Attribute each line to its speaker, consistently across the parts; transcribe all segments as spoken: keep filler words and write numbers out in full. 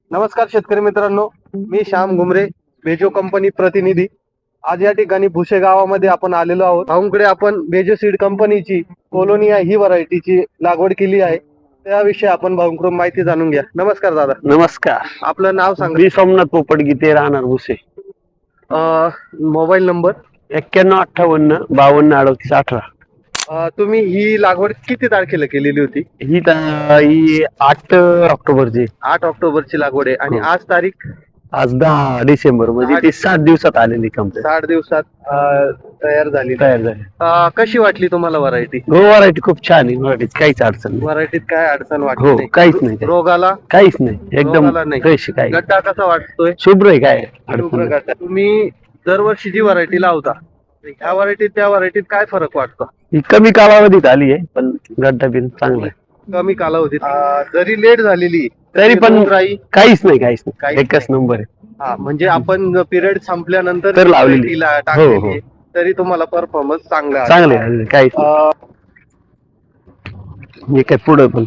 Speaker 1: नमस्कार शेतकरी मित्रांनो, मी श्याम घुमरे, बेजो कंपनी प्रतिनिधी. आज या ठिकाणी भुसे गावामध्ये आपण आलेलो आहोत. भाऊंकडे आपण बेजो सीड कंपनीची कोलोनिया ही व्हरायटीची लागवड केली आहे. त्याविषयी आपण भाऊंकडून माहिती जाणून घ्या. नमस्कार दादा.
Speaker 2: नमस्कार.
Speaker 1: आपलं नाव सांगा.
Speaker 2: मी सोमनाथ पोपट गीते, राहणार भुसे.
Speaker 1: मोबाईल नंबर
Speaker 2: एक्क्याण्णव अठ्ठावन्न बावन्न अडतीस अठरा.
Speaker 1: अ, तुम्ही ही लागवड किती तारखेला केलेली होती?
Speaker 2: ही त- ही आठ ऑक्टोबरची.
Speaker 1: आठ ऑक्टोबरची लागवड आहे आणि
Speaker 2: हो.
Speaker 1: आज तारीख
Speaker 2: आज दहा डिसेंबर म्हणजे
Speaker 1: दहा
Speaker 2: ती सात दिवसात आलेली कंप्लीट
Speaker 1: साठ दिवसात अ, तयार झाली.
Speaker 2: तयार झाली.
Speaker 1: अ, कशी वाटली तुम्हाला व्हरायटी?
Speaker 2: हो, व्हरायटी खूप छान आहे. व्हरायटीत काहीच अडचण नाही.
Speaker 1: व्हरायटीत काय अडचण वाटली
Speaker 2: हो,
Speaker 1: नाही?
Speaker 2: काहीच नाही.
Speaker 1: रोगाला
Speaker 2: काहीच नाही, एकदम
Speaker 1: रोगाला नाही.
Speaker 2: फ्रेश. काय
Speaker 1: गड्डा कसा वाटतोय?
Speaker 2: शुभ्र आहे, काय अडचण
Speaker 1: शुभ्र
Speaker 2: नाही.
Speaker 1: गड्डा. तुम्ही दरवर्षी जी व्हरायटी लावता ह्या व्हरायटीत त्या व्हरायटीत काय फरक वाटतो?
Speaker 2: ही कमी कालावधीत आली आहे, पण गड्डा बिन चांगला आहे.
Speaker 1: कमी कालावधीत अं, जरी लेट झालेली
Speaker 2: तरी पण
Speaker 1: राई
Speaker 2: काहीच नाही, काहीच नाही.
Speaker 1: काहीच
Speaker 2: एकच नंबर आहे.
Speaker 1: हा म्हणजे आपण पिरियड संपल्यानंतर
Speaker 2: तर लावलेली.
Speaker 1: variety ला
Speaker 2: हो,
Speaker 1: टाकलेली
Speaker 2: हो.
Speaker 1: आहे, तरी तुम्हाला परफॉर्मन्स चांगला आहे.
Speaker 2: चांगले आहे, काहीच नाही.
Speaker 1: अं,
Speaker 2: हे काय पुढं पण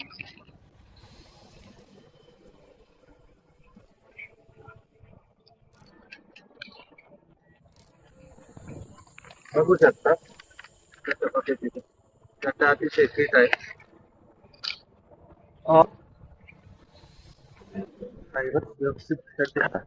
Speaker 1: बघू शकता कशा पद्धतीने गड्डा अतिशय फिट आहे. अं, फायबर व्यवस्थित गड्डा.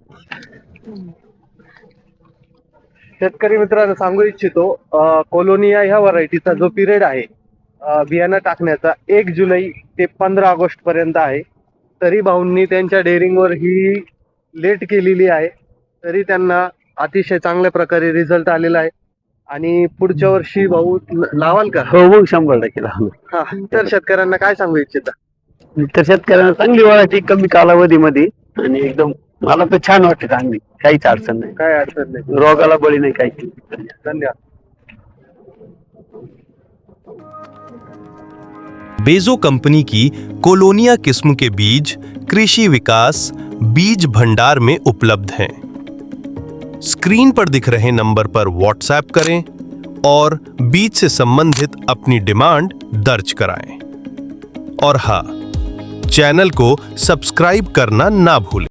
Speaker 1: शेतकरी मित्रांनो सांगू इच्छितो, अ, कोलोनिया ह्या व्हरायटीचा जो पिरियड आहे अ, बियाणं टाकण्याचा एक जुलै ते पंधरा ऑगस्ट पर्यंत आहे. तरी भाऊंनी त्यांच्या डेअरिंगवर ही लेट केलेली आहे, तरी त्यांना अतिशय चांगल्या प्रकारे रिझल्ट आलेला आहे. आणि पुढच्या वर्षी भाऊ ल- लावाल का?
Speaker 2: हो, मग शंभर टक्के लावणार.
Speaker 1: हा, तर शेतकऱ्यांना काय सांगू इच्छिता?
Speaker 2: तर शेतकऱ्यांना चांगली व्हरायटी कमी कालावधीमध्ये आणि एकदम मला तर छान वाटते, चांगली, काहीच अडचण नाही.
Speaker 1: काय अडचण नाही.
Speaker 2: रोगाला बळी नाही, काही.
Speaker 1: धन्यवाद.
Speaker 3: बेजो कंपनी की कोलोनिया किस्म के बीज कृषि विकास बीज भंडार में उपलब्ध हैं। स्क्रीन पर दिख रहे नंबर पर व्हाट्सएप करें और बीज से संबंधित अपनी डिमांड दर्ज कराएं। और हाँ, चैनल को सब्सक्राइब करना ना भूलें।